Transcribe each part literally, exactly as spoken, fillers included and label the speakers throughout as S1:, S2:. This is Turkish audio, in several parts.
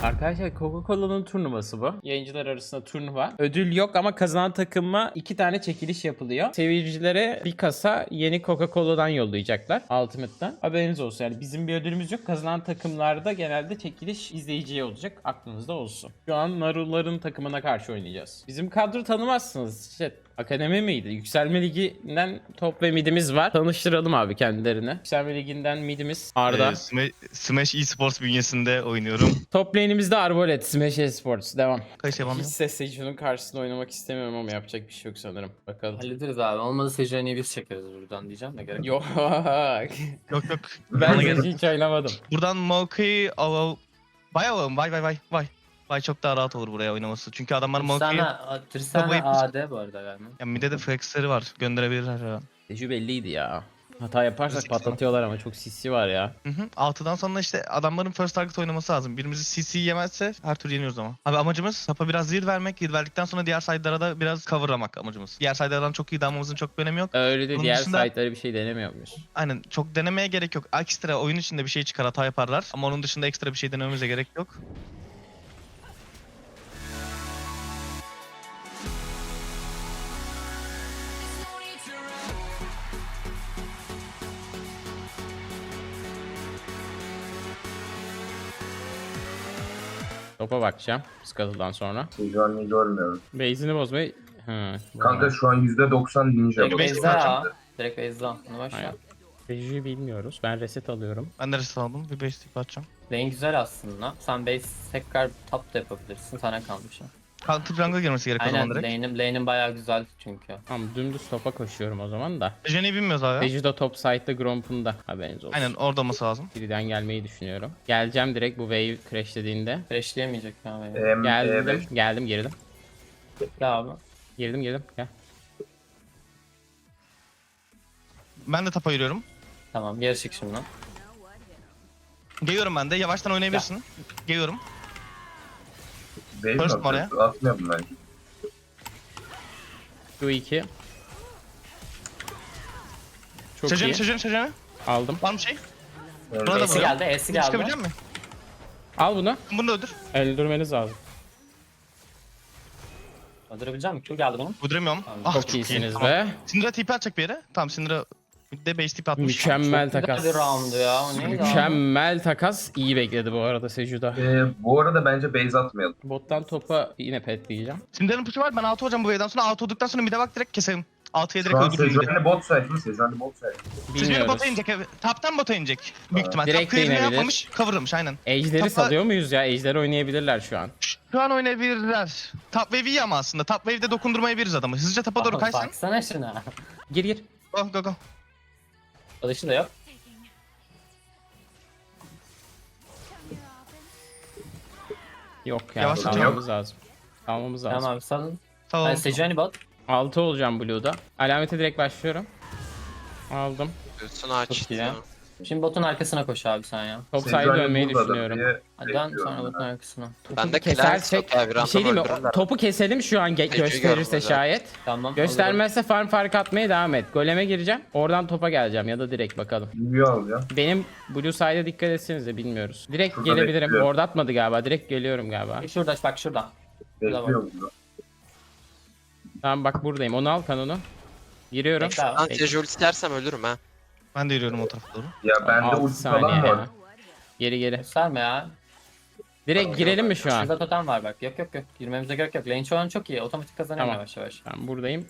S1: Arkadaşlar Coca-Cola'nın turnuvası bu. Yayıncılar arasında turnuva. Ödül yok ama kazanan takıma iki tane çekiliş yapılıyor. Seyircilere bir kasa yeni Coca-Cola'dan yollayacaklar. Ultimate'dan. Haberiniz olsun. Yani bizim bir ödülümüz yok. Kazanan takımlarda genelde çekiliş izleyiciye olacak. Aklınızda olsun. Şu an Naruların takımına karşı oynayacağız. Bizim kadro tanımazsınız. İşte akademi miydi? Yükselme Ligi'nden top ve midimiz var. Tanıştıralım abi kendilerini. Yükselme Ligi'nden midimiz Arda.
S2: Ee, Smash, Smash Esports bünyesinde oynuyorum.
S1: Top lane'imizde Arbolet, Smash Esports. Devam.
S2: Kaç yalan
S1: Hiç
S2: yok.
S1: sesle şunun karşısında oynamak istemiyorum ama yapacak bir şey yok sanırım. Bakalım.
S3: Hallederiz abi. Olmadı Sejuani'yi biz çekeriz buradan diyeceğim de gerek yok.
S1: Yok.
S2: Yok yok.
S1: Ben
S2: Bana gerek-
S1: hiç oynamadım.
S2: Buradan Maokai av Vay alalım vay vay vay vay. Vay çok daha rahat olur buraya oynaması. Çünkü adamlar Maokai'yi...
S3: Tristana, Tristana
S2: Babayı-
S3: A D bu arada galiba.
S2: Ya midde de flexleri var. Gönderebilirler her an.
S1: Tecrübe belliydi ya. Hata yaparsak
S2: Risk
S1: patlatıyorlar ama çok sisi var ya.
S2: Hı hı. altıdan sonra işte adamların first target oynaması lazım. Birimizi C C yemezse her tur yeniyoruz ama. Abi amacımız sapa biraz zil vermek. Zil verdikten sonra diğer side'lara da biraz coverlamak amacımız. Diğer side'lardan çok iyi dalmamızın çok bir önemi yok.
S1: Öyle de
S2: Bunun
S1: diğer
S2: dışında-
S1: site'ları bir şey denemiyormuş.
S2: Aynen çok denemeye gerek yok. Ekstra oyun içinde bir şey çıkar hata yaparlar. Ama onun dışında ekstra bir şey denememize gerek yok.
S1: Topa bakacağım. Skatı'dan sonra.
S4: Sejuani'yi görmüyorum.
S1: Base'ini bozmayı... Hı.
S4: Kanka şu an yüzde doksan ninja.
S3: Direkt
S4: bu.
S3: Beyza ya. Direkt Beyza. Bunu başla.
S1: Aynen. Rejiyi bilmiyoruz. Ben reset alıyorum.
S2: Ben de reset aldım. Bir beş tip atacağım.
S3: Lane güzel aslında. Sen base tekrar top da yapabilirsin. Sana kalmış. ha.
S2: Counter jungle girmesi gerek o
S3: Aynen
S2: zaman direkt.
S3: lane'im lane'im bayağı güzel çünkü.
S1: Tamam dümdüz topa koşuyorum o zaman da.
S2: Jenny'i bilmiyoruz abi.
S1: Reji de top side'da Gromp'un da haberiniz olsun.
S2: Aynen orada olması lazım.
S1: Birden gelmeyi düşünüyorum. Geleceğim direkt bu wave crash dediğinde.
S3: Crashleyemeyecek ya. beni.
S4: Em, E
S1: Geldim,
S4: beş.
S1: geldim, girdim.
S3: Gel abi.
S1: Girdim, girdim. Gel.
S2: Ben de tapa yürüyorum.
S3: Tamam geri çık şimdi.
S2: Geliyorum ben de. Yavaştan oynayabilirsin. Geliyorum.
S4: Base
S2: First
S4: mi
S2: oraya.
S4: atıyorsun? Atmıyorum bence.
S1: Q iki. Çok
S2: Sejen'i
S1: iyi.
S2: sejen'i sejen'i.
S1: Aldım.
S2: Var mı şey?
S4: Evet.
S2: Burada
S3: E'si
S2: mı?
S3: geldi, E'si geldi.
S2: Çıkabilecek misin?
S1: Al bunu.
S2: Bunu da öldür.
S1: Öldürmeniz lazım.
S3: Öldürebilecek misin? Q geldi bunun.
S2: Öldüremiyorum.
S3: Tamam,
S2: Ah,
S1: Çok
S2: iyi,
S1: iyisiniz
S2: tamam.
S1: be.
S2: Syndra TP atacak bir yere. Tamam Syndra de base TP atmış.
S1: Mükemmel
S3: Çok
S1: takas.
S3: güzel bir round ya. O neydi abi?
S1: Mükemmel takas. İyi bekledi bu arada Seju'da.
S4: Ee, bu arada bence base atmayalım.
S1: Bottan topa yine petleyeceğim.
S2: Syndra'nın push'u var. Ben altı olacağım bu wave'den sonra. Altı olduktan sonra mid'e bak direkt keselim. altıya
S4: Şu
S2: direkt
S4: an
S2: öldürürüm mid'i.
S4: Sejuani bot side mi? Sejuani bot side.
S2: Sejuani
S1: Bilmiyoruz.
S2: bota inecek. evet. Taptan bota inecek. Büyük ihtimal.
S1: Direkt
S2: Top
S1: de
S2: clear'ını
S1: inebilir.
S2: yapmamış. Cover'lamış aynen.
S1: Ejder'i
S2: Topa-
S1: salıyor muyuz ya? Ejder oynayabilirler şu an.
S2: Şu an oynayabilirler. Top wave iyi ama aslında. Top wave'de dokundurmayabiliriz adamı. Hızlıca tapa doğru
S3: Aa,
S2: kaçsın.
S3: Baksana şuna.
S1: Gir gir.
S2: Go go go.
S3: Kılıçı da yok.
S1: Yok ya.
S2: Yavaş
S1: Salmamız lazım. Salmamız lazım.
S3: Tamam abi salın.
S2: Tamam.
S3: Ben Sejuani bot.
S1: altı olacağım Blue'da. Alamete direkt başlıyorum. Aldım.
S5: Göğsünü açtı.
S3: iyi ya. Şimdi botun arkasına koş abi sen ya.
S1: Top side'e
S4: Sejuani
S1: dönmeyi
S4: buradadır
S1: düşünüyorum.
S4: diye
S3: Hadi dön
S4: bekliyorum
S3: sonra botun
S4: ben.
S3: arkasına.
S5: Ben de
S1: Kesersek
S5: Clarence
S1: bir şey değil mi?
S5: öldürürler.
S1: Topu keselim şu an ge-
S5: Peki,
S1: gösterirse
S5: görmez
S1: şayet.
S3: Tamam.
S1: Göstermezse farm fark atmaya devam et. Goleme gireceğim. Oradan topa geleceğim ya da direkt bakalım.
S4: Review alacağım.
S1: Benim Blue side'e dikkat etsenize bilmiyoruz. Direkt
S4: Şurada
S1: gelebilirim.
S4: bekliyorum.
S1: Orada atmadı galiba. Direkt geliyorum galiba.
S3: olurum. Şurada bak şurada.
S4: Bekliyorum burada.
S1: Tamam bak buradayım. Onu al kanonu. Giriyorum.
S3: Bekle abi.
S5: Ben
S1: Peki.
S5: Tejo ulti dersem ölürüm ha.
S2: Ben de yürüyorum o tarafa doğru.
S4: Ya bende
S1: altı
S4: ulti
S1: saniye
S4: falan var.
S1: ya. Geri geri.
S3: Gösterme ya.
S1: Direkt girelim mi şu an?
S3: Şurada totem var bak. Yok yok yok. Girmemize gerek yok. Lane şu an çok iyi. Otomatik kazanıyor
S1: Tamam.
S3: yavaş yavaş.
S1: Tamam buradayım.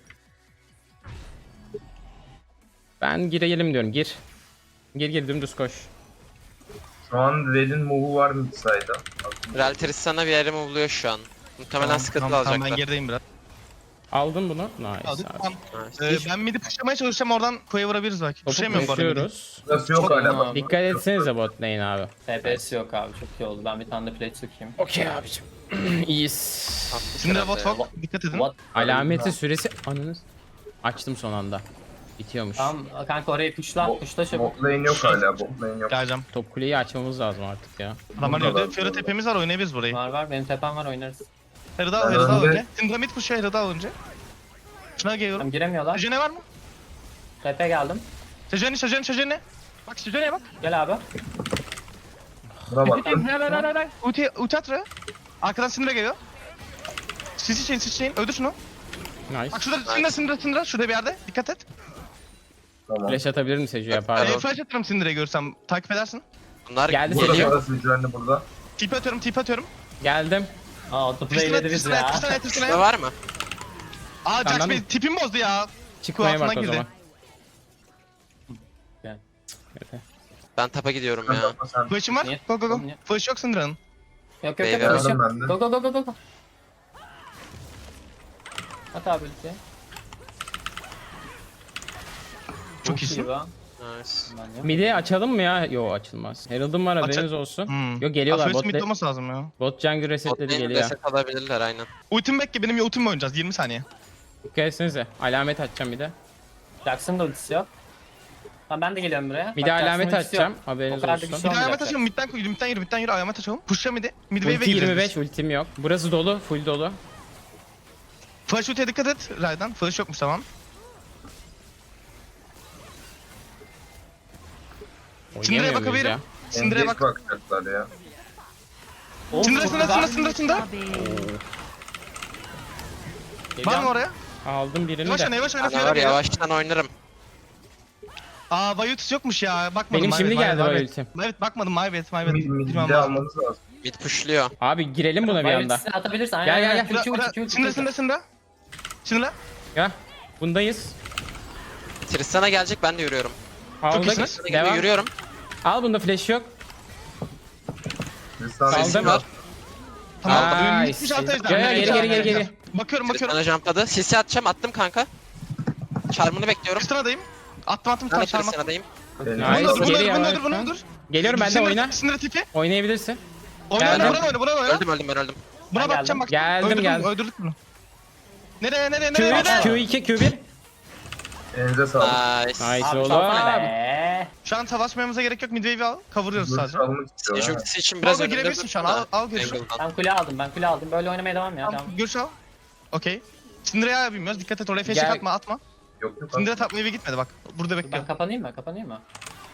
S1: Ben girelim diyorum. Gir. Gir gir dümdüz koş.
S4: Şu an Red'in move'u var mid side'a.
S5: Relteris sana bir yere move'luyor şu an. Muhtemelen
S2: Tamam,
S5: sıkıntı
S2: tamam, tamam, ben
S5: alacaklar.
S2: gerideyim biraz.
S1: Aldım bunu. Nice
S2: Aldık,
S1: abi.
S2: tamam.
S5: Nice.
S2: Ee, ben mid'i pushlamaya çalışacağım oradan koya vurabiliriz belki.
S1: Topu
S2: Pushlayamıyorum bu arada mid'i.
S1: koşuyoruz.
S4: Burası yok
S3: Çok
S4: hala.
S3: iyi
S4: bak.
S3: abi.
S1: Dikkat etsenize bot lane abi.
S3: T P'si yok abi. Çok iyi oldu. Ben bir tane de plate sokayım.
S1: Okey abicim. İyiyiz.
S2: Şimdi
S5: Herhalde.
S2: bot walk. Dikkat edin.
S3: What?
S1: Alameti süresi anınız. Açtım son anda. Bitiyormuş.
S3: Tamam kanka orayı pushla. Pushla çabuk.
S4: Bot lane yok hala. Bot lane yok.
S2: Geleceğim.
S1: Top kuleyi açmamız lazım artık ya.
S2: Adamlar
S4: Burada
S2: yürüdü.
S4: var,
S2: Fiora
S4: burada.
S2: tepemiz var oynayabiliriz burayı.
S3: Var var. Benim tepem var oynarız.
S2: Herida al,
S4: Ben
S2: Herida al
S4: önde-
S2: önce. Syndra mid push'a Herida al önce. Şuna geliyorum.
S3: Tamam giremiyorlar.
S2: Sejene var mı?
S3: Tepe geldim.
S2: Sejene, Sejene, Sejene. Bak Sejene'ye bak.
S3: Gel abi.
S4: Buna baktım.
S2: Helal helal helal. Ulti, ulti at re. Arkadan Syndra geliyor. Sisi chain, sisi chain. Öldür şunu.
S1: Nice.
S2: Bak şurada Syndra, Syndra, Syndra. Şurada bir yerde. Dikkat et.
S4: Tamam.
S1: Flash atabilir mi Seju'ya
S2: Ee,
S1: pardon.
S2: flash atarım Syndra'yı görsem. Takip edersin.
S5: Bunlar
S1: Geldi
S4: Burada
S1: Seju.
S4: parası güvenli burada.
S2: Tip atıyorum, tip atıyorum.
S1: Geldim.
S3: Aa
S2: Tristan,
S3: autoplayledi bizi
S2: Tristan,
S3: ya.
S2: Tristan,
S5: ne
S2: Tristan.
S5: var mı?
S2: Aa Jax
S1: Senden
S2: Bey
S1: mi?
S2: tipim bozdu ya.
S1: Çıkmaya bak
S2: Kulağına
S1: o
S2: girdi.
S1: zaman.
S3: Gel.
S5: Ben tapa gidiyorum
S4: Sen
S5: ya.
S4: bakma sen.
S2: Flash'ım var.
S3: Niye?
S2: Go go go.
S3: Niye?
S2: Flash yok Syndra'nın.
S3: Yok yok yok.
S5: Beyler.
S3: flash yok.
S4: Aldım ben de.
S3: Go go go go go go. At abi ulti.
S2: Çok iyisin.
S3: iyi lan.
S5: Nice.
S3: Ben yok.
S1: Midi açalım mı ya? Yo açılmaz. Herald'ım var haberiniz
S2: Aç-
S1: olsun.
S2: Hmm.
S1: Yo geliyorlar
S2: First
S1: bot,
S2: mid
S1: le-
S2: olması lazım ya.
S1: bot jungle resetledi
S5: Botlayın
S1: geliyor.
S5: reset alabilirler aynen.
S2: Ultim bekle benim ultimle oynayacağız yirmi saniye.
S1: Dikkat etsenize. Alamet atacağım bir de.
S3: Jackson da ultisi yok. Tamam ben de geliyorum buraya.
S1: Bir
S3: Bak,
S1: de
S3: Jackson'ın
S1: alamet
S3: ultisi
S1: atacağım.
S3: yok.
S1: Haberiniz
S3: O kadar da bir
S1: olsun.
S3: şey
S2: Bir de ayamet
S3: olmayacak.
S2: açalım midden koy midden yürü midden yürü ayamet açalım. Pushla midi. Mid wave'e
S1: Ulti
S2: gireceğiz
S1: yirmi beş
S2: biz.
S1: ultim yok. Burası dolu. Full dolu.
S2: Flash ultiye dikkat et Ray'dan. Flash yokmuş tamam. Syndra'ya
S1: Oynayamıyor muyuz
S2: bakabilirim.
S1: ya?
S2: Syndra'ya
S4: Engage
S2: bak.
S4: bakacaklar ya.
S3: Oğlum,
S2: Syndra
S3: çok
S2: Syndra
S3: güzel.
S2: Syndra Syndra Syndra. Var
S3: Geliyorum.
S2: mı oraya?
S1: Aldım birini
S2: Yavaş oyna
S1: de.
S2: yavaş oyna.
S5: Bana
S2: Fiora
S5: var
S2: geliyor.
S5: yavaştan oynarım.
S2: Aa Vayutus yokmuş ya. Bakmadım.
S1: Benim
S2: my
S1: şimdi
S2: bad, my
S1: geldi
S2: bad, my
S1: Vay
S2: bad.
S1: ultim.
S2: Evet bakmadım my bad my bad.
S4: Mid,
S2: Bilmem
S4: midde
S2: lazım.
S4: almanız lazım.
S5: Mid pushluyor.
S1: Abi girelim buna bir
S3: Bayağı
S1: anda.
S3: ultisini atabilirsin.
S1: Gel,
S3: Aynen,
S1: gel,
S3: aynen.
S1: gel.
S3: Ulti, ulti, ulti, ulti,
S2: Syndra
S3: ulti.
S2: Syndra Syndra. Syndra.
S1: Ya. Bundayız.
S5: Tristan'a gelecek ben de yürüyorum.
S1: Aldık.
S2: iyisiniz.
S5: Tristan'a gibi
S1: Devam.
S5: yürüyorum.
S1: Al bunda flash yok.
S4: Tristan
S1: Saldım.
S4: Sesim
S5: var.
S2: Tamam.
S1: Nice.
S2: Bitmiş altı ejder.
S1: Gel, gel, geri, geri, geri, geri.
S2: Bakıyorum bakıyorum.
S5: Tristan'a jumpladı. Sisi atacağım attım kanka. Charm'ını bekliyorum.
S2: Tristan'adayım. Attım attım
S5: Ben de
S2: tam çarmıha.
S5: Tristan'adayım.
S1: Nice.
S2: Bunu dur, bunu
S1: Geliyor
S2: dur, bunu
S1: abi
S2: dur,
S1: şu
S2: bunu
S1: an.
S2: dur.
S1: Geliyorum ben de
S2: Syndra-
S1: oyna.
S2: Syndra tipi.
S1: Oynayabilirsin.
S2: Oyna
S1: Geldim.
S2: oyna, buna oyna, buna oyna.
S5: Öldüm öldüm ben öldüm.
S2: Buna
S3: Ben
S2: bakacağım
S3: geldim.
S2: bakacağım.
S1: Geldim,
S2: Öldürdüm,
S1: geldim.
S2: öldürdük bunu. Nereye nereye
S1: Q
S2: nereye?
S1: üç,
S2: nereye?
S1: Q iki, Q bir.
S4: Elinize sağlık.
S5: Nice.
S1: Nice
S3: Abi
S1: oğlum.
S3: salsana be.
S2: Şu an savaşmamıza gerek yok. Midwave'i al. Kavuruyoruz
S4: Dur
S2: sadece.
S4: çalmak istiyorum.
S5: Sage
S4: ha.
S5: ultisi için biraz
S2: Al,
S5: önünde
S2: girebilirsin şu an,
S5: durdum da
S2: al, al görüşürüz.
S5: Angle'dan.
S3: Ben kule aldım ben kule aldım. Böyle oynamaya devam ya.
S2: Tamam,
S3: Tamam.
S2: görüş al. Okey. Syndra'ya bilmiyoruz. Dikkat et oraya flash
S1: Gel.
S2: atma atma.
S4: Yok yok.
S2: Syndra top wave'e gitmedi bak. Burada bekliyor.
S3: Ben kapanayım mı? Kapanayım mı?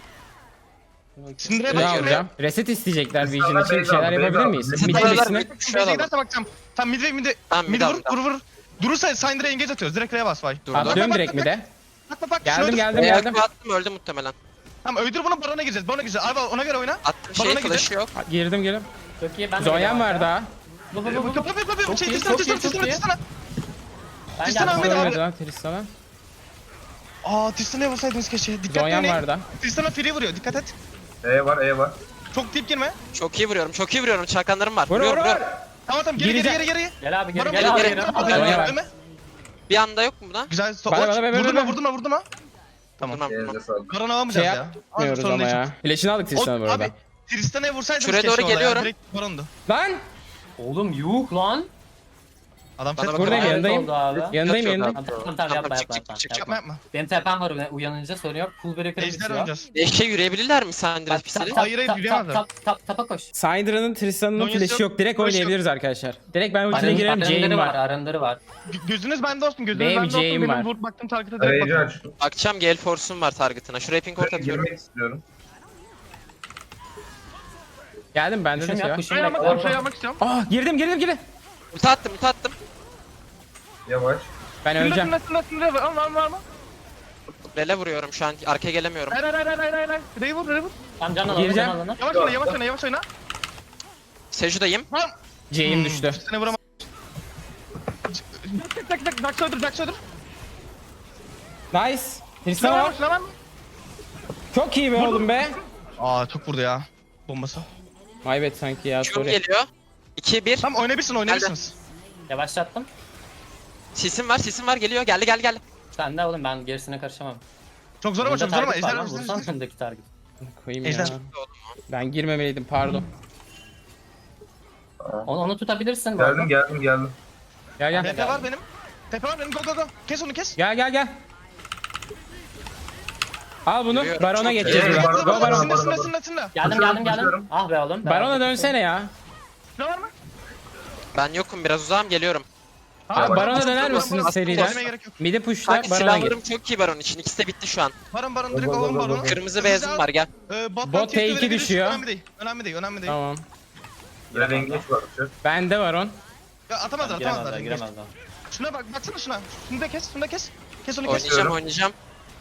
S2: Syndra'ya
S1: Ne
S2: bak.
S1: alacağım? Reset isteyecekler
S4: Biz
S1: Vision
S4: sana
S1: için bir
S4: base
S1: şeyler
S4: al,
S1: yapabilir
S4: base al.
S1: miyiz?
S4: Biz
S1: Mid
S5: sana
S1: kulesine.
S5: base-
S2: Midwave'e giderse bakacağım. Tamam midwave midi.
S5: Tamam, mid
S2: Midi
S5: al,
S2: vur
S5: mid al.
S2: vur vur. Durursa Syndra'ya engage atıyoruz. Direkt R'ye bas vay.
S5: Durdum.
S1: Atlıyorum direkt mi de?
S2: Bak bak bak.
S1: Geldim
S2: şunu öldür.
S1: geldim
S5: Beyaz
S1: geldim.
S5: bir attım öldü muhtemelen.
S2: Tamam öldür bunu barona gireceğiz. Barona gireceğiz. Abi ona göre oyna.
S5: Attım şey
S2: Barona
S5: flash'ı yok.
S1: Girdim girdim.
S3: Çok iyi ben de
S1: Zoyan
S3: geliyorum
S1: var
S3: arkadan.
S1: daha.
S3: Bu bu bu bu.
S2: Kapı kapı kapı.
S3: Çok
S2: Şey
S3: iyi,
S2: Tristan
S3: çok iyi,
S2: Tristan
S3: çok
S2: Tristan
S3: iyi.
S2: Tristan.
S3: Ben
S2: Tristan
S3: geldim.
S2: Ahmet abi.
S1: Görmedi lan Tristan'a.
S2: Aa Tristan'a vursaydınız keşke. Dikkatli
S1: Zoyan
S2: oynayın.
S1: var da.
S2: Tristan'a free vuruyor. Dikkat et.
S4: E var E var.
S2: Çok deep girme.
S5: Çok iyi vuruyorum çok iyi vuruyorum. Çakanlarım var.
S1: Vur vur
S5: Vuruyorum
S1: vur.
S5: vuruyorum.
S2: Tamam tamam geri geri
S1: Gireceğim.
S2: geri geri.
S3: Gel abi gel
S2: Barona
S3: gel abi.
S5: geri.
S3: gel.
S1: Zonya var.
S2: Ölme.
S5: Bir anda yok mu buna?
S2: Güzel. So
S1: Bana, bana, bana,
S2: vurdurma
S1: bana.
S2: vurdurma vurdurma. Tamam.
S5: Durmam durmam.
S4: Elinize sağlık.
S2: Barona alamayacağız
S1: Şey
S2: ya.
S1: yapmıyoruz
S2: sorun
S1: ama
S2: değil.
S1: ya. Flash'ını aldık
S2: O,
S1: Tristan'a bu arada.
S2: abi Tristan'a vursaydınız
S5: Şuraya
S2: keşke
S5: doğru
S2: orada ya.
S5: geliyorum.
S2: Direkt barondu.
S1: Lan!
S3: Oğlum yuh lan.
S2: Adam
S5: Bana
S2: fed
S5: bak-
S1: Buradayım
S3: Evet,
S1: yanındayım.
S3: oldu abi.
S1: Yanındayım
S5: Yok, yok
S1: yanındayım.
S3: Tamam tamam tamam yapma
S5: Çık,
S3: yapma
S5: çık,
S3: yapma.
S5: çık, çık.
S2: Yapma yapma.
S3: Benim tepem var uyanınca sorun yok. Cool breaker
S2: Ejder
S3: bitiyor.
S2: oynayacağız.
S5: Eşe yürüyebilirler mi Sandra
S3: Tap
S5: pisleri?
S3: tap
S2: Hayır, hayır,
S3: tap
S2: yürüyemezler.
S3: tap tap tapa koş.
S1: Syndra'nın Tristan'ın
S2: Zonyası
S1: flash'ı
S2: yok.
S1: yok. Direkt
S2: Flash yok.
S1: oynayabiliriz arkadaşlar. Direkt ben ultine
S3: Arın,
S1: girerim. Jane
S3: arınları var,
S1: var.
S3: arınları var.
S2: G- Gözünüz bende olsun. Gözünüz
S1: Benim
S2: bende olsun.
S1: J'im
S2: Benim
S1: var.
S2: vur baktım target'a direkt
S4: Arayıcı
S2: bakıyorum.
S4: açtım.
S5: Bakacağım Gale Force'um var target'ına. Şuraya ping court atıyorum.
S4: Girmek istiyorum.
S1: Geldim bende de
S3: Kuşum
S1: şey
S3: yok
S1: var.
S3: kuşum
S2: Ben
S3: yok.
S2: yapmak, şey yapmak istiyorum.
S1: Ah girdim girdim girdim.
S5: Ulti attım ulti attım.
S4: Yavaş.
S1: Ben
S2: Sınırda
S1: öleceğim.
S2: sınırda sınırda sınırda. Al al al al.
S5: Rele vuruyorum şu an. Arkaya gelemiyorum.
S2: Hayır hayır hayır hayır hayır. hayır. R'yi vur R'yi vur.
S3: Tamam can alalım
S1: Gireceğim.
S3: can alalım.
S2: Yavaş oyna yavaş oyna yavaş oyna.
S5: Seju'dayım.
S2: Lan.
S1: J'im düştü.
S2: Seni vuramam. Tak tak tak. Dax öldür Dax öldür.
S1: Nice. Tristan
S2: Silah var
S1: var.
S2: mı silah var mı?
S1: Çok iyi be oğlum be.
S2: Aa çok vurdu ya. Bombası.
S1: Maybet sanki ya
S5: Q'm
S1: sorry.
S5: geliyor. iki bir.
S2: Tamam oynayabilirsin oynayabilirsiniz.
S3: Yavaşlattım.
S5: Sisim var sisim var geliyor. Geldi geldi geldi.
S3: Sen de oğlum ben gerisine karışamam.
S2: Çok zor ama çok zor ama ejder
S3: Vursan
S2: öldürsün.
S3: önündeki target.
S1: Koyayım
S2: Ejder.
S1: ya. Ben girmemeliydim pardon.
S3: Onu, onu tutabilirsin bu arada.
S4: Geldim geldim geldim.
S1: Gel gel.
S2: Tepe var benim. Tepe var benim. Go go go. Kes onu kes.
S1: Gel gel gel. Al bunu.
S5: Yürüyorum,
S1: Barona
S5: çok
S1: geçeceğiz
S4: iyi.
S1: buradan.
S4: Baron,
S1: Go
S4: baron,
S1: Baron.
S2: Sınır
S4: baron.
S2: sınır sınır sınır.
S3: Geldim
S4: Koşuyorum,
S3: geldim geldim.
S4: koşuyorum.
S3: Ah be oğlum.
S1: Barona dönsene ya.
S2: Silah var mı?
S5: Ben yokum biraz uzağım geliyorum.
S1: Abi Baron'a
S2: Baron-
S1: döner
S2: Baron-
S1: misiniz
S2: Baron-
S1: seriler?
S2: Baron'a gerek yok.
S1: Midi pushla
S5: Kanka
S1: Baron'a gir.
S5: silahlarım çok iyi Baron için. İkisi de bitti şu an.
S2: Baron Baron direkt
S4: Baba,
S2: alalım
S4: baba,
S2: Baron'u.
S4: baba.
S5: Kırmızı beyazım var gel.
S2: Ee, bottan
S1: Bot
S2: tier
S1: T iki
S2: verebiliriz.
S1: düşüyor.
S2: Önemli değil. Önemli değil. Önemli değil.
S1: Tamam.
S4: Red engage var.
S1: Bende Baron.
S2: Ya atamazlar
S3: Giremezler,
S2: atamazlar.
S3: giremezler.
S2: Şuna bak baksana şuna. Şunu da kes. Şunu da kes. Kes onu kes.
S5: Oynayacağım oynayacağım.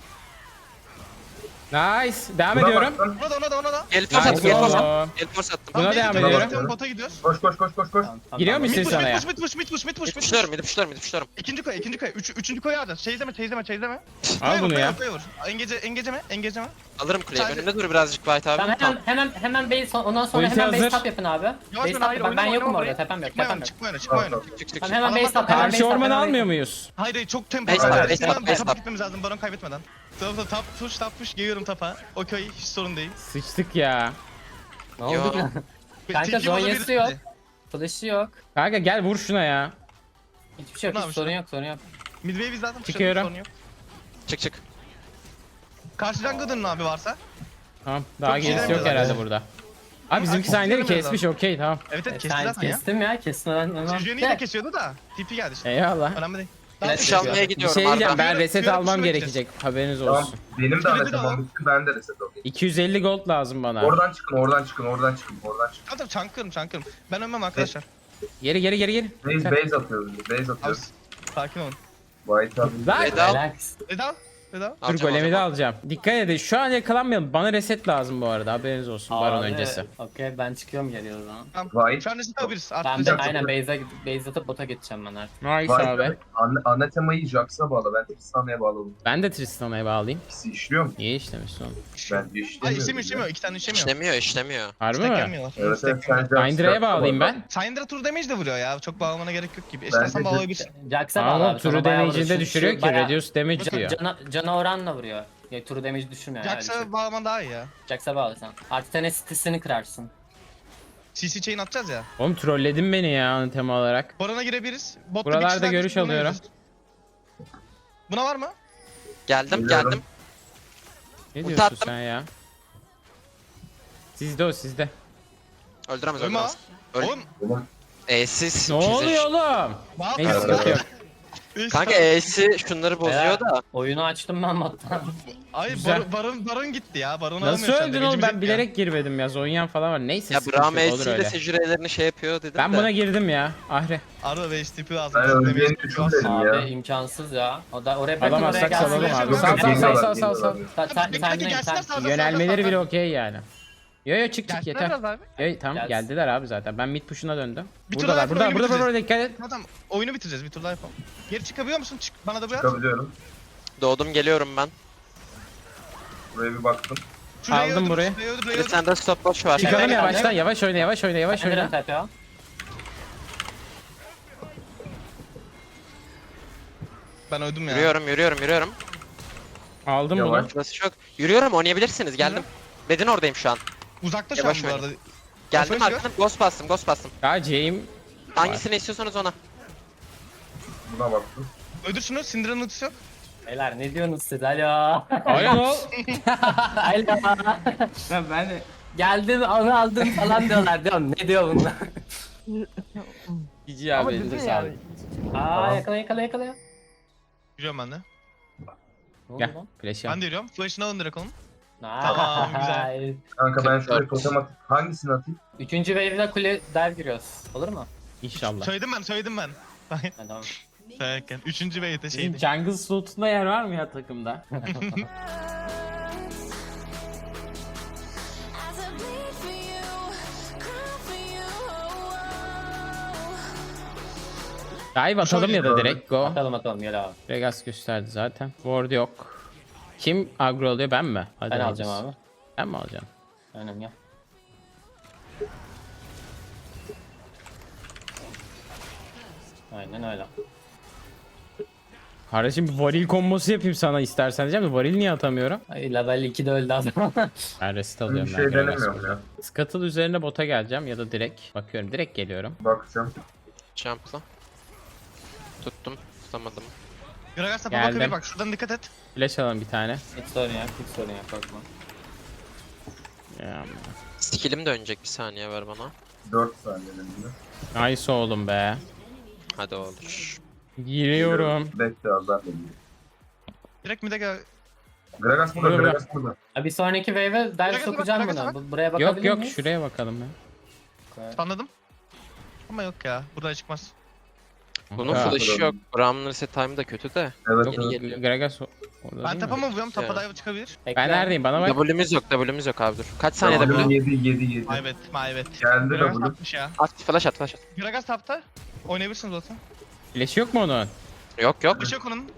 S1: Nice. Devam
S4: Buna
S1: ediyorum.
S4: baktın.
S2: Ona da ona da ona da.
S5: El force attım
S1: Nice
S5: el force attım.
S1: oğlum.
S5: El force attım.
S1: Buna
S2: Tamam,
S1: devam
S2: beyze
S1: ediyorum.
S2: gidiyoruz, Bota gidiyoruz.
S4: Koş koş koş koş koş.
S3: Tamam, tamam,
S1: Giriyor
S3: tamam.
S1: musun?
S2: Mid push,
S1: sana ya.
S2: mid push, mid push, mid push, mid push, mid push.
S5: Puşlarım midi puşlarım midi puşlarım.
S2: İkinci koy, ikinci koy. Üç, üçüncü koyu alacağız. Çeyizleme, çeyizleme, çeyizleme.
S1: Al bunu ya.
S2: Engece, engeceme, engeceme.
S5: Alırım kuleyi.
S2: Sadece-
S5: Önümde dur birazcık White abi.
S3: Tamam
S5: Tamam.
S3: hemen hemen hemen base ondan sonra
S1: Ulti
S3: hemen base
S1: hazır.
S3: tap yapın abi.
S2: Yavaş
S3: Base
S2: oyna,
S3: tap
S2: hayır,
S3: yapın. Ben
S2: oynama,
S3: yokum
S2: oynama
S3: orada
S2: orayı.
S3: tepem yok
S2: Çıkma
S3: tepem
S2: oyna,
S3: yok.
S2: çıkma oyna, çıkma oyna.
S5: Çık çık çık.
S3: Tamam hemen
S2: Adam
S3: base tap
S2: atla.
S3: hemen
S1: Karşı
S3: base tap.
S1: ormanı
S3: hemen
S1: almıyor
S3: base-
S1: muyuz?
S2: Hayır hayır çok tempo.
S5: Base
S2: Hayır,
S5: tap,
S2: hayır,
S5: base tap,
S2: Sinan,
S5: base
S2: tapa
S5: tap.
S2: gitmemiz lazım baron kaybetmeden. Tamam tamam tap push tap push geliyorum tapa. Okey hiç sorun değil.
S1: Sıçtık ya.
S3: Ne
S5: Yo.
S3: oldu ki? Kanka
S2: Tilki
S3: zonyası
S2: bozabilir.
S3: yok. Flash'ı yok.
S1: Kanka gel vur şuna ya.
S3: Hiçbir şey yok.
S2: Ne
S3: Hiç
S2: yapmış
S3: sorun
S2: lan?
S3: yok sorun yok.
S2: Midway biz zaten
S1: Çıkıyorum.
S2: sorun yok.
S5: Çık çık.
S2: Karşı jungle'ın abi varsa.
S1: Tamam daha
S2: Çok şey
S1: gerisi yok
S2: demiyorlar
S1: herhalde
S2: ya.
S1: burada. Abi bizimki
S2: Abi,
S1: sahneleri
S2: kestiremiyoruz
S1: kesmiş okey tamam.
S2: Evet evet
S3: E,
S2: kesti
S3: sen
S2: zaten ya.
S3: kestim ya kestim ben.
S2: Sejuani de kesiyordu da. T P geldi işte.
S1: Eyvallah.
S2: Önemli değil.
S3: Flash
S5: Kuş
S3: Çıkıyor.
S5: almaya
S1: Bir
S5: gidiyorum
S1: şey diyeceğim
S5: Arda.
S1: ben
S2: Yürü,
S1: reset
S2: yürü,
S1: almam
S2: kuşuna
S1: gerekecek haberiniz
S4: Tamam.
S1: olsun.
S4: Benim de
S2: Şöyle bir
S4: anlaşmam
S2: alalım.
S4: bitti. Ben de reset alayım.
S1: iki yüz elli gold lazım bana.
S4: Oradan çıkın, oradan çıkın, oradan çıkın, oradan çıkın.
S2: Tamam tamam çankırım çankırım. Ben ölmem arkadaşlar.
S1: Geri geri geri geri.
S4: Base, base atıyoruz, biz, base
S2: Abi
S4: atıyoruz.
S2: sakin olun.
S4: White abi.
S1: Lan!
S5: Veda.
S3: Relax.
S2: Eda. Eda.
S1: Dur
S5: Alacağım,
S1: golemi de
S5: alacağım.
S1: alacağım. Dikkat edin şu an yakalanmayalım. Bana reset lazım bu arada haberiniz olsun baron
S3: Abi,
S1: öncesi.
S3: Okey ben çıkıyorum geliyor o zaman.
S2: Tamam.
S4: White.
S2: Şu an reset alabiliriz.
S3: Ben
S2: Artık
S3: de
S4: Çok
S3: aynen
S4: güzel.
S3: base'e base atıp bota geçeceğim ben artık.
S1: Nice
S4: White
S1: abi.
S4: abi. Ana, ana temayı Jax'a bağla, ben Tristana'ya bağladım.
S1: Ben de Tristana'ya bağlayayım.
S4: İkisi işliyor mu?
S1: İyi işlemiş oğlum.
S4: Ben
S2: Ay
S4: işlemiyorum.
S2: işlemiyor işlemiyor. İki tane işlemiyor.
S5: İşlemiyor işlemiyor.
S1: Harbi
S2: Stack
S1: mi?
S2: gelmiyorlar.
S4: Evet,
S2: Stack
S4: evet, sen
S2: gelmiyor.
S4: Jax'a
S1: Syndra'ya bağlayayım ben.
S2: Syndra tur damage de vuruyor ya. Çok bağlamana gerek yok gibi.
S4: Ben
S2: İstersen
S4: de-
S2: bağlayabilirsin.
S3: Jax'a bağlı
S1: Ama
S3: abi.
S1: turu
S3: sana bayağı
S1: damage'ini de
S3: vuruyor.
S1: düşürüyor
S3: Şu
S1: ki
S3: bayağı-
S1: reduce damage
S3: Yok,
S1: diyor.
S3: Cana, cana oranla vuruyor. Ya turu damage düşürmüyor ya. öyle bir şey.
S2: Jax'a bağlaman daha iyi ya.
S3: Jax'a bağlı sen. Artı tane sitesini kırarsın.
S2: C C chain atacağız ya.
S1: Oğlum trolledin beni ya ana tema olarak.
S2: Baron'a girebiliriz. Botta
S1: Buralarda
S2: bir kişi daha
S1: görüş
S2: buna
S1: alıyorum.
S2: gireceğiz. Buna var mı?
S5: Geldim
S4: Geliyorum.
S5: geldim.
S1: Ne
S5: Ulti
S1: diyorsun
S5: attım.
S1: sen ya? Sizde o sizde.
S5: Öldüremez
S2: Ölme ha.
S5: öldüremez. Öl-
S2: Oğlum.
S4: Oğlum,
S5: E'siz.
S1: Ne oluyor oğlum?
S2: Ne
S1: Neyse
S2: yapıyorsun?
S1: sıkıntı yok.
S5: Kanka E'si şunları bozuyor
S3: Beyler,
S5: da.
S3: Oyunu açtım ben botta.
S2: Ay
S1: Güzel.
S2: baron, baron, baron gitti ya. Baron
S1: Nasıl
S2: alamıyor sen de,
S1: öldün oğlum
S2: gücümüz
S1: ben
S2: yok ya.
S1: bilerek girmedim ya. Zonyan falan var. Neyse
S5: Ya
S1: sıkıntı
S5: Braum
S1: yok olur
S5: E'siyle
S1: öyle.
S5: secürelerini şey yapıyor dedim
S1: Ben
S5: de.
S1: buna girdim ya. Ahre.
S2: Arada beş tipi lazım.
S4: ben
S2: Çok
S4: öleceğini
S2: damage
S4: düşünmedim
S3: Abi
S4: ya.
S3: imkansız ya. O da oraya bırakın oraya
S1: Alamazsak
S3: gelsin.
S1: salalım abi.
S2: Geliyorlar,
S1: Sal sal sal
S4: geliyorlar,
S1: sal sal sal.
S4: geliyorlar.
S3: Sen sen
S2: Peki,
S3: sen
S2: peki,
S3: sen.
S2: gelsinler, sağ- sağ-
S1: Yönelmeleri bile okey yani. Yo yo çık çık
S2: Gelsinler
S1: yeter.
S2: biraz abi.
S1: Yo, tamam
S3: Gelsin.
S1: geldiler abi zaten. Ben mid push'una döndüm.
S2: Bir tur
S1: Buradalar
S2: daha
S1: burada
S2: oyunu
S1: burada burada
S2: bitireceğiz.
S1: dikkat et.
S2: Tamam tamam. Oyunu bitireceğiz. Bir tur daha yapalım. Geri çıkabiliyor musun? Çık. Bana da bu yap.
S4: Çıkabiliyorum.
S5: Doğdum geliyorum ben.
S4: Buraya bir baktım.
S2: Şurayı
S1: Aldım
S2: öldür,
S1: burayı.
S2: şurayı öldür,
S5: Bir
S2: burayı
S5: de
S2: öldür.
S5: sende stop watch var.
S1: Çıkalım
S3: Evet,
S1: yavaştan
S3: evet.
S1: yavaş oyna yavaş oyna yavaş
S3: Neden
S1: oyna.
S3: tepe o?
S2: Ben öldüm ya.
S5: Yürüyorum yürüyorum yürüyorum.
S1: Aldım
S4: Yavaş.
S1: bunu.
S5: Burası çok. Yürüyorum oynayabilirsiniz geldim. Bedin oradayım şu an.
S2: Uzakta şu an
S5: Yavaş
S2: bu
S5: oyna.
S2: arada.
S5: Geldim
S2: Kafayı
S5: arkadan ghost bastım ghost bastım.
S1: Ya C'yim.
S5: Hangisini istiyorsanız ona.
S4: Buna baktım.
S2: Öldür şunu. Syndra'nın ultisi yok.
S3: Beyler ne diyorsunuz siz? Alo.
S1: Aynen ol.
S3: Alo.
S1: Ben de.
S3: Geldim onu aldım falan diyorlar diyorum. Ne diyor bunlar?
S1: Cici abi elinize sağlık.
S3: Aa yakala yakala yakala.
S2: Yürüyorum ben de.
S3: Ne oldu
S1: Gel
S3: lan?
S1: flash
S2: Ben
S1: yap.
S2: de yürüyorum. Flash'ını alın direkt onun.
S3: Tamam
S2: güzel.
S4: Kanka ben şuraya totem atayım. Hangisini atayım?
S3: Üçüncü wave'de kule dive giriyoruz. Olur mu?
S1: İnşallah.
S2: Söyledim ben, söyledim ben.
S3: Ha, tamam.
S2: Söylerken. Üçüncü wave'de
S1: Bizim
S2: şeydi.
S1: jungle slotunda yer var mı ya takımda?
S6: As I bleed for you, cry for you. Oh,
S1: Dive atalım ya da direkt go.
S3: Atalım atalım gel abi.
S1: Regas gösterdi zaten. Ward yok. Kim agro alıyor ben mi? Hadi
S3: Ben
S1: alacağız.
S3: alacağım abi.
S1: Ben mi alacağım?
S3: Aynen gel. Aynen öyle.
S1: Kardeşim bir varil kombosu yapayım sana istersen diyeceğim de varil niye atamıyorum?
S3: Ay level ikide öldü adam.
S1: Ben reset
S4: Bir
S1: alıyorum
S4: şey
S1: ben. Gragas
S4: denemiyorum
S1: burada.
S4: ya.
S1: Scuttle üzerine bota geleceğim ya da direkt. Bakıyorum direkt geliyorum.
S4: Bakacağım.
S5: Jump'la. Tuttum. Tutamadım.
S2: Gragas tapa
S1: Geldim.
S2: bakabilir bak. Şuradan dikkat et.
S1: Flash alalım bir tane.
S3: Hiç sorun yok hiç sorun yok korkma.
S1: Ya,
S5: Skill'im dönecek bir saniye ver bana.
S4: dört saniyede.
S1: nice oğlum be.
S5: Hadi olur.
S1: Giriyorum.
S4: Bekle az daha geliyor.
S2: Direkt mid'e gel.
S4: Gragas burada,
S1: Burada.
S4: Gragas burada.
S3: Ha, bir sonraki wave'e dive
S2: Bırak,
S3: sokacağım
S2: bırak,
S3: bunu.
S2: bırak.
S3: Bu- Buraya bakabilir
S1: Yok yok
S3: miyiz?
S1: şuraya bakalım ya.
S3: Okay.
S2: Anladım. Ama yok ya. Buradan çıkmaz.
S5: Bunun
S1: Ha.
S5: flash'ı yok. Braum'un reset time'ı da kötü de.
S4: Evet,
S1: Yok,
S5: Yeni
S4: evet.
S5: geliyor.
S1: Gragas o- orada
S2: Ben
S1: değil
S2: tapa
S1: mi?
S2: mı vuruyorum? Tapa
S5: Ya.
S2: dive çıkabilir.
S3: Bekle.
S1: Ben neredeyim? Bana bak.
S5: W'miz yok, W'miz yok abi dur. Kaç saniye
S4: W'm
S5: W?
S4: yedi, yedi, yedi.
S2: Maybet, maybet.
S4: Geldi
S2: Gragas
S4: W.
S2: tapmış ya.
S5: At, flash at, flash at.
S2: Gragas tapta. Oynayabilirsiniz zaten.
S1: Flash yok mu onun?
S5: Yok yok.
S2: Bir şey yok onun.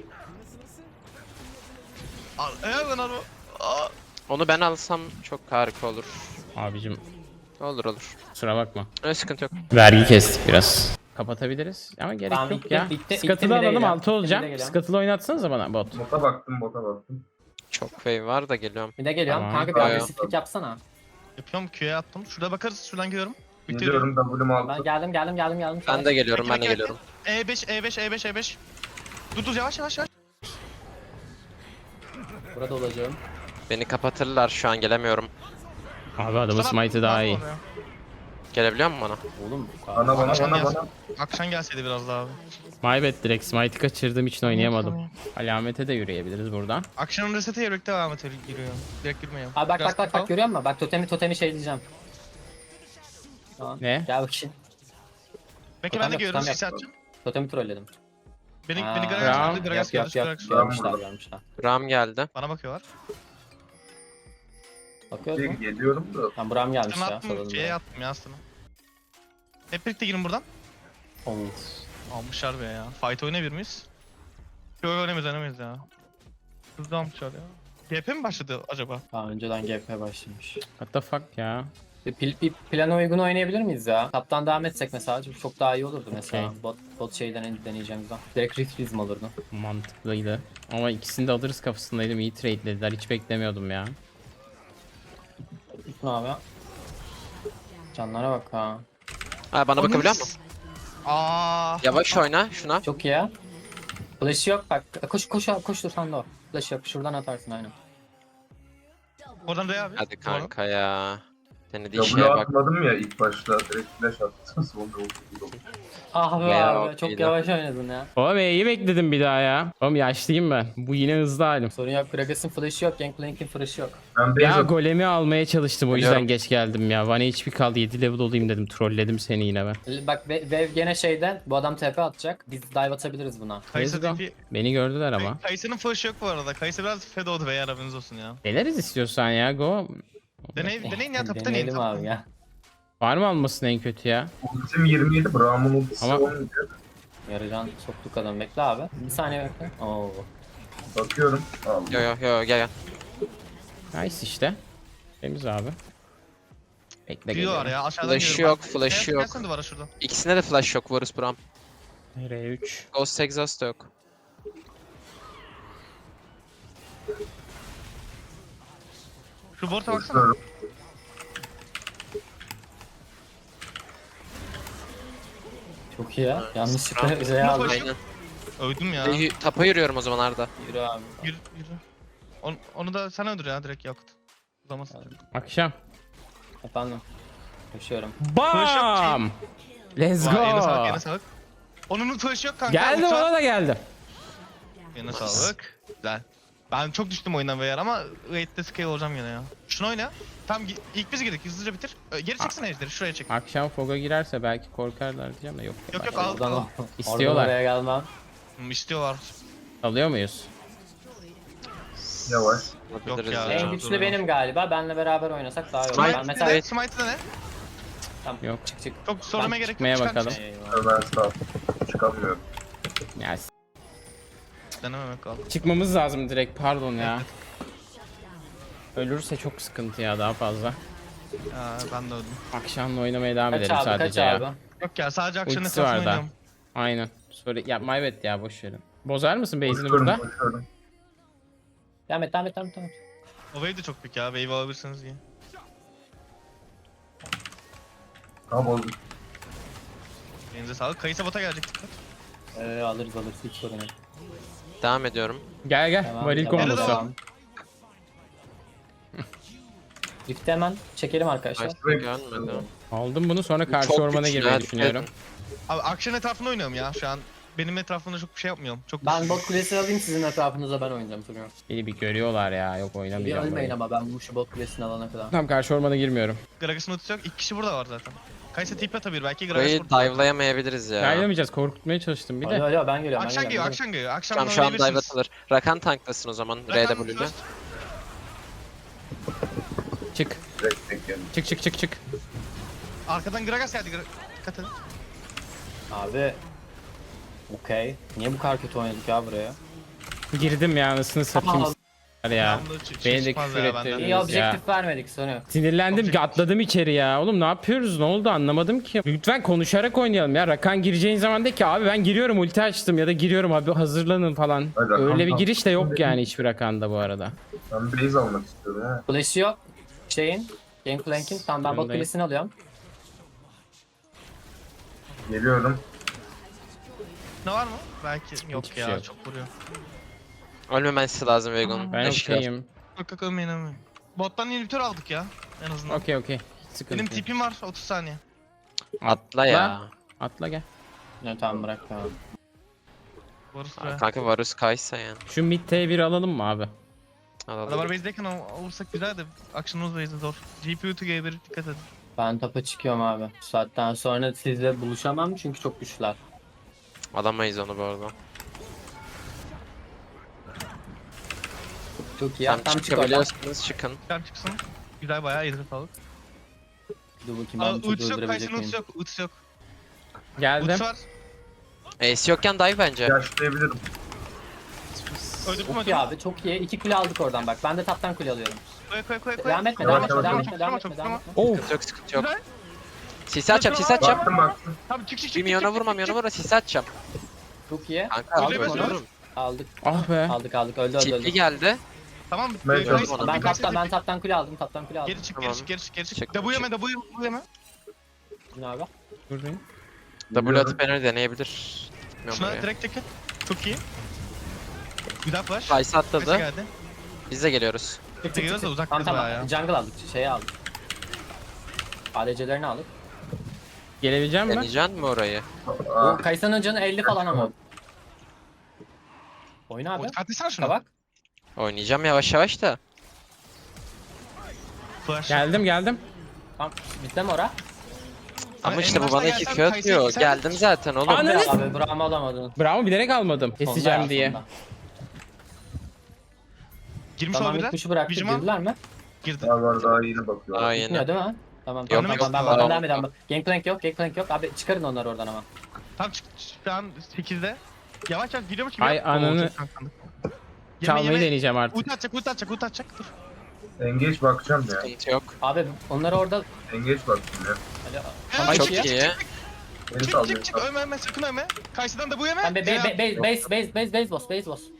S2: Al, eğer lan araba. Aa.
S5: Onu ben alsam çok harika olur.
S1: Abicim
S5: Olur olur.
S1: kusura bakma.
S5: Öyle sıkıntı yok.
S1: Vergi kestik biraz. Kapatabiliriz ama gerek
S3: Tamam,
S1: yok
S3: bitti,
S1: ya.
S3: bitti, bitti,
S1: Scuttle'ı
S3: bir de
S1: alalım
S3: geliyorum,
S1: altı
S3: bir de
S1: olacağım.
S3: geliyorum.
S1: Scuttle'ı oynatsanıza bana bot.
S4: Bota baktım, bota baktım.
S5: Çok wave var da geliyorum.
S3: Bir de geliyorum.
S1: Tamam.
S3: Kanka bir
S5: Bayağı.
S3: agresiflik yapsana.
S2: Yapıyorum Q'ya attım. Şurada bakarız. Şuradan geliyorum.
S4: Geliyorum W'm
S3: Ben
S4: altı.
S3: geldim geldim geldim geldim.
S5: Ben de geliyorum,
S2: Bekle,
S5: ben de
S2: bekle,
S5: geliyorum.
S2: E beş, E beş, E beş, E beş. Dur dur yavaş yavaş yavaş.
S3: Burada olacağım.
S5: Beni kapatırlar şu an gelemiyorum.
S1: Abi adamın
S2: Sana-
S1: smite'ı daha iyi.
S2: Oraya.
S5: Gelebiliyor musun bana?
S3: Oğlum.
S4: Bana bana
S2: Akşam
S4: bana
S2: gelsin.
S4: bana.
S2: Akşam gelseydi biraz daha abi.
S1: My bad direkt smite'ı kaçırdığım için oynayamadım. Alamete de yürüyebiliriz buradan.
S2: Akşamın resete birlikte devam et giriyor. Direkt girmiyor.
S3: Abi bak
S2: Biraz
S3: bak bak
S2: kapalı.
S3: bak görüyor musun? Bak totemi totemi şey diyeceğim. Tamam.
S1: Ne?
S3: Gel bakayım.
S2: Bekle
S3: Totem
S2: ben de
S3: yap,
S2: görüyorum.
S3: totem
S2: Sisi
S3: yap.
S2: atacağım.
S3: Totemi trolledim.
S2: Beni,
S3: Aa,
S2: beni
S1: Tamam.
S2: Gragas gördü.
S3: Yok
S2: Gragas
S3: yok
S2: gördü.
S3: yok.
S2: Gragas gördü.
S3: Görmüşler
S4: burada.
S3: görmüşler.
S5: Braum geldi.
S2: Bana bakıyorlar.
S3: Bakıyoruz mu?
S4: Geliyorum da.
S3: Tamam Buram gelmiş
S2: Ben
S3: ya.
S2: attım.
S3: Soralım.
S2: Şeye attım ya aslında. Hep birlikte girin buradan.
S3: Of.
S2: Almışlar be ya. Fight oynayabilir miyiz? Yok oynamayız oynamayız ya. Hızlı almışlar ya. G P mi başladı acaba?
S3: Daha önceden G P başlamış.
S1: What the fuck ya?
S3: Bir, pil, bir plana uygun oynayabilir miyiz ya? Taptan devam etsek mesela çok daha iyi olurdu mesela.
S1: Okey.
S3: Bot, bot şeyden deneyeceğimizden. Direkt Riftrizm olurdu.
S1: Mantıklıydı. Ama ikisini de alırız kafasındaydım. İyi trade'lediler. Hiç beklemiyordum ya.
S3: Gitme abi. Canlara bak ha.
S5: Ha bana bakabiliyor musun?
S2: Aa.
S5: Yavaş oyna şuna.
S3: Çok iyi ya. Flash yok bak. Koş koş koş dur sen de o. Flash yok. Şuradan atarsın aynen.
S2: Oradan Rey abi.
S5: Hadi kanka ya. Denediği şeye
S4: W
S5: bak.
S4: atmadım ya ilk başta. Direkt flash attım. Sonra oldu.
S3: Ah be
S5: Bayağı
S3: abi çok
S5: okeydi.
S3: yavaş oynadın ya.
S1: Oğlum iyi bekledim bir daha ya. Oğlum yaşlıyım ben. Bu yine hızlı halim.
S3: Sorun yok. Gragas'ın flash'ı yok. Gangplank'in flash'ı yok.
S4: Ben base
S1: Ya
S4: atıyorum.
S1: golemi almaya çalıştım o yüzden
S5: Biliyorum.
S1: geç geldim ya. One H P kaldı yedi level olayım dedim. Trolledim seni yine ben.
S3: L- Bak Ve- Vev gene şeyden bu adam T P atacak. Biz dive atabiliriz buna.
S2: Kayısı
S1: Let's go.
S2: tipi.
S1: Beni gördüler ama.
S2: Kayısı'nın flash'ı yok bu arada. Kayısı biraz fed oldu beyler haberiniz olsun ya.
S1: Deneriz istiyorsan ya go.
S2: Deney, deneyin ya tapı deneyin.
S3: Deneyelim abi ya.
S1: Var mı almasın en kötü ya?
S4: Ultim yirmi yedi. Braum'un ultisi
S1: Ama-
S4: on yedi.
S3: Yarıcan soktuk adam. Bekle abi. Bir saniye bekle. Oo.
S4: Bakıyorum. Allah.
S5: Yo yo yo gel gel.
S1: Nice işte. Temiz abi. Bekle
S2: Diyorlar
S1: geliyorum.
S2: ya aşağıdan
S5: Flash'ı
S2: geliyorum.
S5: yok, flash'ı
S2: Gel-
S5: yok.
S2: Gelsene duvara şuradan.
S5: İkisinde de flash yok Varus Braum.
S1: R üç.
S5: Ghost Exhaust da yok.
S2: Şu borta baksana.
S4: Bakıyorum.
S3: Çok iyi ya. Yanlışlıkla
S5: Tamam.
S3: Z'ye aldım.
S2: Aynen. Öldüm ya.
S5: Y- Tapa yürüyorum o zaman Arda.
S3: Yürü abi.
S2: Yürü yürü. Onu, onu da sen öldür ya direkt Yakut. Uzamasın.
S1: Akşam.
S3: Efendim. Koşuyorum.
S1: Bam! Let's
S2: Vay, eline sağlık,
S1: go.
S2: eline sağlık. Onun flash'ı yok kanka.
S1: Geldim
S2: uçağı-
S1: ona da geldim.
S2: Eline sağlık. Güzel. Ben çok düştüm oyundan beyler ama raid'de scale olacağım yine ya. Şunu oyna. Tam gi- ilk biz girdik hızlıca bitir. Ö, Geri çeksene ejderi şuraya çek.
S1: Akşam Fog'a girerse belki korkarlar diyeceğim de yok.
S2: Yok yok
S1: Bak-
S2: al
S3: Oradan
S2: al.
S3: o.
S1: İstiyorlar.
S3: Oradan oraya gelmem.
S2: Hmm, istiyorlar.
S1: Alıyor muyuz?
S4: Yavaş.
S5: Yapabiliriz
S2: ya.
S5: ya.
S3: En
S2: çok
S3: güçlü
S2: zor
S3: benim galiba. Benle beraber oynasak daha iyi olur.
S2: Smite
S3: Ben mesela...
S2: de, Smite'de ne?
S3: Tamam.
S1: Yok.
S3: Çık çık.
S2: Çok sormaya
S3: Ben
S2: gerek yok.
S1: çıkmaya
S2: çıkar
S1: bakalım.
S2: mısın?
S3: Eyvallah.
S4: Ben sağ çıkamıyorum.
S1: Ya s-
S2: Denememek kaldı.
S1: çıkmamız lazım direkt pardon ya. Ölürse çok sıkıntı ya daha fazla.
S2: Ya ben de öldüm.
S1: Akşamla oynamaya devam
S3: Kaç
S1: edelim
S3: abi kaç
S1: sadece ya.
S3: abi?
S2: Yok ya sadece akşam
S1: Ultisi
S2: etrafında
S1: var da.
S2: oynuyorum.
S1: Aynen. Sorry. Ya my bad ya boş verin. Bozar mısın base'ini
S4: Koşuyorum,
S1: burada?
S4: koşuyorum.
S3: Devam et devam et devam et. devam et.
S2: O wave de çok büyük ya. Wave alabilirsiniz iyi.
S4: Tamam oldu.
S2: Elinize sağlık. Kayısa bota gelecek dikkat.
S3: Ee, alırız alırız hiç sorun yok.
S5: Devam ediyorum.
S1: Gel gel.
S3: Devam,
S1: Varil
S3: devam,
S1: kombosu.
S3: devam. Rift'i hemen çekelim arkadaşlar.
S5: Nice, gelmedi.
S1: Aldım bunu sonra karşı
S5: Çok
S1: ormana
S5: güçlü,
S1: girmeyi
S5: hadi
S1: düşünüyorum.
S2: Abi akşam etrafında oynuyorum ya şu an. benim etrafımda çok bir şey yapmıyorum. Çok
S3: Ben bot kulesini alayım sizin etrafınıza ben oynayacağım sonra.
S1: Beni bir görüyorlar ya. Yok
S3: Bir
S1: oynamayacağım.
S3: ölmeyin
S1: burayı.
S3: ama ben bu şu bot kulesini alana kadar.
S1: Tamam karşı ormana girmiyorum.
S2: Gragas'ın ultisi yok. İki kişi burada var zaten. Kaysa tipe atabilir belki Gragas
S5: Burayı
S2: burada.
S5: dive'layamayabiliriz ya.
S1: Yaylamayacağız. Korkutmaya çalıştım bir de.
S3: Alo alo ben geliyorum ben
S2: Akşam geliyor,
S3: geliyorum.
S2: akşam geliyor. Akşam
S5: Tamam şu an dive atılır. Rakan tanklasın o zaman R W'yle.
S1: Çık.
S4: Direkt bekliyorum.
S1: Çık çık çık çık.
S2: Arkadan Gragas geldi. Gra- Dikkat edin.
S3: Abi. Okey. Niye bu kadar kötü oynadık ya buraya?
S1: Girdim ya anasını satayım s**ler ya.
S2: Devamlı ç-
S1: Beni de
S2: çıkmaz
S1: küfür
S2: ya benden.
S1: ettirdiniz
S3: İyi
S1: ya.
S3: objektif vermedik sonra.
S1: Sinirlendim
S2: Objektif.
S1: atladım içeri ya. Oğlum ne yapıyoruz ne oldu anlamadım ki. Lütfen konuşarak oynayalım ya. Rakan gireceğin zaman de ki abi ben giriyorum ulti açtım ya da giriyorum abi hazırlanın falan.
S4: Hadi Rakan
S1: Öyle bir
S4: tamam.
S1: giriş de yok yani hiçbir Rakan'da bu arada.
S4: Ben base almak istiyorum ha.
S3: Flash'ı yok. Şeyin. Gangplank'in. Tamam ben bot
S1: Sorundayım.
S3: kulesini alıyorum.
S4: Geliyorum.
S2: Ne var mı? Belki yok
S1: Hiçbir
S2: ya
S1: şey yok.
S2: çok vuruyor.
S5: Ölmemesi lazım Vegon'un.
S1: Ben
S5: Eşkıya.
S1: okeyim.
S2: Yok yok ölmeyin ölmeyin. Bottan inhibitor aldık ya en azından.
S1: Okey okey. Sıkıntı
S2: Benim
S1: yok.
S2: tipim var otuz saniye.
S5: Atla ya.
S1: Atla gel.
S3: Ne tamam bırak tamam.
S2: Varus
S5: Aa,
S2: be.
S5: Kanka Varus Kaysa yani.
S1: Şu mid T bir alalım mı abi?
S5: Alalım.
S2: Adamlar base'deyken al- alırsak güzel de action'ımız base'de zor. G P U to G bir dikkat edin.
S3: Ben topa çıkıyorum abi. Bu saatten sonra sizle buluşamam çünkü çok güçlüler.
S5: Alamayız onu bu arada.
S3: Çok iyi.
S5: Tam
S3: Tam çık oradan.
S5: çıkabiliyorsanız çıkın.
S2: Çıkar çıksın. Güzel bayağı iyidir sağlık.
S3: Dur bakayım
S2: Aa,
S3: ben bu çocuğu
S2: ultisi yok,
S3: öldürebilecek
S2: Kayse'nin
S3: miyim?
S2: ultisi yok, ultisi yok.
S1: Geldim.
S2: Ultisi var.
S5: Ace yokken dive bence.
S4: Yaşlayabilirim.
S2: Öldürdüm
S3: Çok iyi
S2: öldürdüm.
S3: abi çok iyi. İki kule aldık oradan bak. Ben de taptan kule alıyorum.
S2: Koy koy koy koy.
S3: Devam etme
S4: Yavaş,
S3: devam etme
S4: yavaş,
S3: devam
S4: yavaş.
S3: etme devam
S2: Çok
S3: etme devam
S2: çok
S3: etme.
S1: Oh.
S5: Sıkıntı yok sıkıntı yok.
S2: Güzel.
S5: Sisi açacağım sisi açacağım.
S4: Baktım baktım.
S2: Tamam çık çık çık.
S5: Bir milyona
S2: çık,
S5: vurma
S2: çık,
S5: milyona
S2: çık.
S5: vurma sisi açacağım.
S3: Çok iyi.
S5: Kanka
S2: Öyle
S5: aldık
S2: mi
S5: onu.
S2: söylüyorsun?
S3: Aldık.
S1: Ah be.
S3: Aldık aldık öldü öldü
S5: Çiftli
S3: öldü.
S5: geldi.
S2: Tamam.
S4: Ben
S2: e,
S4: çok-
S2: Kayse-
S3: Ben
S2: bir Kayse
S3: taptan ben
S2: tipi.
S3: taptan kule aldım taptan kule aldım.
S2: Geri çık
S5: Tamam.
S2: geri çık geri çık geri çık.
S5: Çık,
S2: W yeme
S5: çık.
S2: W W yeme.
S3: Ne abi?
S1: Buradayım.
S5: W atıp beni deneyebilir. Bilmiyorum
S2: Şuna
S5: oraya.
S2: direkt ticket. Çok iyi. Güzel flash.
S5: Kaysa
S2: Kayse
S5: atladı.
S2: geldi.
S5: Biz de geliyoruz.
S3: Çık
S2: Geliyoruz da uzak
S3: Tamam
S2: kız bayağı
S3: tamam.
S2: ya.
S3: Jungle aldık. Şeyi aldık. A D C'lerini aldık.
S1: Gelebileceğim mi?
S5: Deneyeceksin mi orayı?
S4: Aa,
S3: Bu Kaysan'ın canı elli falan ama. Oyna abi.
S2: Atlasana şunu.
S3: Kabak.
S5: Oynayacağım yavaş yavaş da.
S2: Flash.
S1: Geldim geldim.
S3: Tamam. Bitti mi ora?
S5: Ama
S2: en
S5: işte bu
S2: başta
S5: bana iki
S2: gelsen
S5: Q
S2: Kayse'yi
S5: atıyor.
S2: sen-
S5: Geldim zaten oğlum.
S1: Ana- Ananı s-
S3: Abi Braum'u alamadın.
S1: Bravo bilerek almadım. Keseceğim
S3: Sonda ya,
S1: diye.
S3: sonda.
S2: Girmiş
S3: Tamam
S2: olabilirler.
S3: ilk kuşu bıraktık.
S2: Vigiman
S3: Girdiler mi?
S2: girdi.
S4: daha var daha yeni bakıyor.
S5: Aa yeni.
S3: Gitmiyor değil mi? Tamam
S2: Yok,
S3: tamam
S2: yok,
S3: tamam ben
S2: yok.
S3: bakın devam edelim. Gangplank yok Gangplank yok. Abi çıkarın onları oradan ama.
S2: Tam çık şu an sekizde. Yavaş yavaş gidiyormuş gibi.
S1: Ay,
S2: yap.
S1: ananı-
S2: Oo, çok kankandı. Yeme,
S1: Çalmayı
S2: yeme.
S1: deneyeceğim artık.
S2: Ulti atacak, ulti atacak, ulti atacak. Dur.
S4: Engage bakacağım ya.
S5: Sıkıntı yok.
S3: Abi onları orada...
S4: Engage baktım ya.
S3: Alo.
S2: Ay,
S5: Çok
S2: çık,
S5: iyi.
S2: çık,
S4: Beni
S2: Çık
S4: sallıyor.
S2: çık çık ölme ölme sakın ölme. Karşıdan da bu yeme.
S3: Ben be, be,
S2: Ya,
S3: be, base base base base base boss base boss.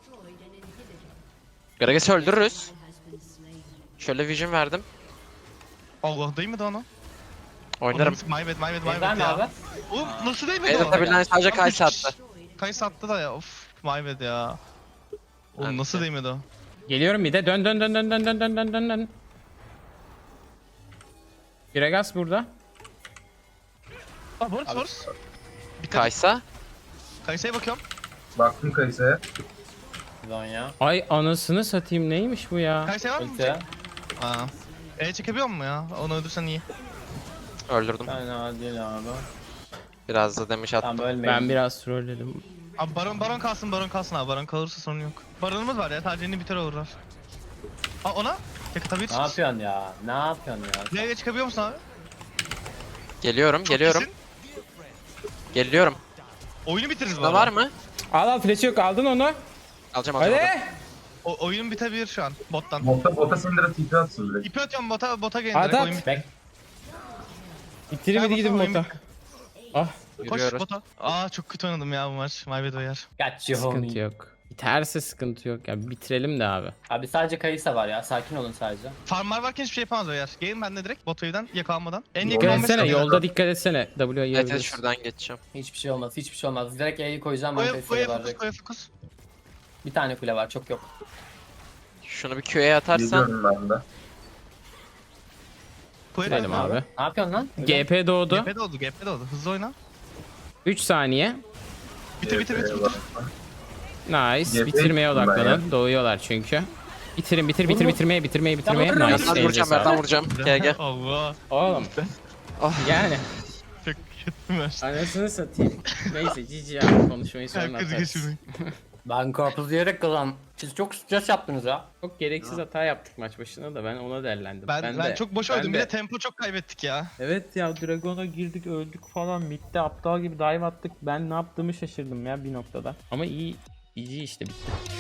S5: Gragas'ı öldürürüz. Şöyle vision verdim.
S2: Allah değmedi ona.
S5: Oynarım.
S2: My bad my bad my
S3: Base
S2: bad
S3: verme
S2: ya.
S3: abi.
S2: Oğlum nasıl değmedi
S5: Beyler
S2: o?
S5: tabilen sadece
S2: Tam
S5: Kaysa
S2: üç kişi-
S5: attı.
S2: Kaysa attı da ya of my bad ya. Oğlum
S5: Ben
S2: nasıl
S5: de.
S2: değmedi o?
S1: Geliyorum bir de dön dön dön dön dön dön dön dön dön dön. Gragas burada.
S2: Aa Boris Boris. Dikkat.
S5: Kaysa.
S2: Kaysa'ya bakıyorum.
S4: Baktım Kayse'ye.
S3: Zonya.
S1: Ay anasını satayım neymiş bu ya?
S2: Kaysa'ya var mı?
S3: Ulti.
S2: Aa. E çekebiliyor mu ya? Onu öldürsen iyi.
S5: Öldürdüm.
S3: Fena değil abi.
S5: Biraz da demiş attım.
S3: Tamam ölmeyin.
S1: Ben biraz trolledim.
S2: Abi baron baron kalsın baron kalsın abi. Baron kalırsa sorun yok. Baronumuz var ya sadece biter olurlar. Aa ona? Yakıtabilir
S3: Ne yapıyorsun ya? Ne yapıyorsun ya?
S2: Nereye çıkabiliyor musun abi?
S5: Geliyorum
S2: Çok
S5: geliyorum.
S2: iyisin.
S5: Geliyorum.
S2: Oyunu bitiririz bu
S5: Buna
S2: arada.
S5: var mı?
S1: Al al flash yok aldın onu.
S5: Alacağım alacağım.
S1: Hadi.
S5: alacağım.
S2: O, oyun bitebilir şu an bottan.
S4: Bota, bota Syndra T P atsın direkt.
S2: İpi atıyorum bota bota gelin
S1: At,
S2: direkt
S1: at.
S2: oyun bit-
S3: Bek.
S1: Bitirin hadi
S2: Gel
S1: gidin
S2: bakalım,
S1: bota. Ah
S2: Koş
S5: Yürüyoruz.
S2: bota. Aa çok kötü oynadım ya bu maç. My bad uyar.
S3: Kaç you
S1: sıkıntı
S3: homie.
S1: yok. Biterse sıkıntı yok ya bitirelim de abi.
S3: Abi sadece Kayısa var ya. Sakin olun sadece.
S2: Farmlar varken hiçbir şey yapamaz uyar. Gelin ben de direkt bot wave'den yakalanmadan. En yakın
S1: Dikkat
S2: on beş
S1: etsene
S2: saniye.
S1: yolda dikkat etsene. W'ye
S5: Evet evet
S1: yiyebiliriz.
S5: şuradan geçeceğim.
S3: Hiçbir şey olmaz. Hiçbir şey olmaz. Direkt E'yi koyacağım. Ben
S2: Koya
S3: Kayısa'ya
S2: koya fokus
S3: varacak.
S2: koya fokus.
S3: Bir tane kule var. Çok yok.
S5: Şunu bir Q'ye atarsan.
S4: Geliyorum ben de.
S2: Koya
S1: Gidelim abi.
S3: Ne yapıyorsun lan?
S1: G P doğdu.
S2: G P de oldu G P de oldu. Hızlı oyna.
S1: üç saniye.
S2: Bitir bitir bitir.
S4: Eyvallah.
S1: Nice.
S4: G P
S1: Bitirmeye
S4: gittim ben
S1: odaklanın. Doğuyorlar çünkü. Bitirin bitir bitir
S3: Vurma.
S1: bitirmeye bitirmeye bitirmeye.
S3: vurma.
S1: Nice.
S5: Yerden
S1: Elinize
S5: vuracağım, yerden
S1: sağlık.
S5: vuracağım. Gel gel.
S2: Allah.
S1: Oğlum.
S5: Ah.
S1: Yani.
S2: Çok kötü maç.
S1: Anasını satayım. Neyse cici ya. Konuşmayı sonra
S2: Herkes
S1: atarız.
S2: geçirmek.
S3: Ben karpuz yiyerek kazandım. Siz çok stres yaptınız ya.
S1: Çok gereksiz hata yaptık maç başında da ben ona derlendim.
S2: Ben, ben,
S1: de-
S2: çok boş
S1: ben
S2: oynadım. Bir
S1: de-
S2: de tempo çok kaybettik ya.
S1: Evet ya Dragon'a girdik öldük falan. Mid'de aptal gibi dive attık. Ben ne yaptığımı şaşırdım ya bir noktada. Ama iyi, iyi işte bitti.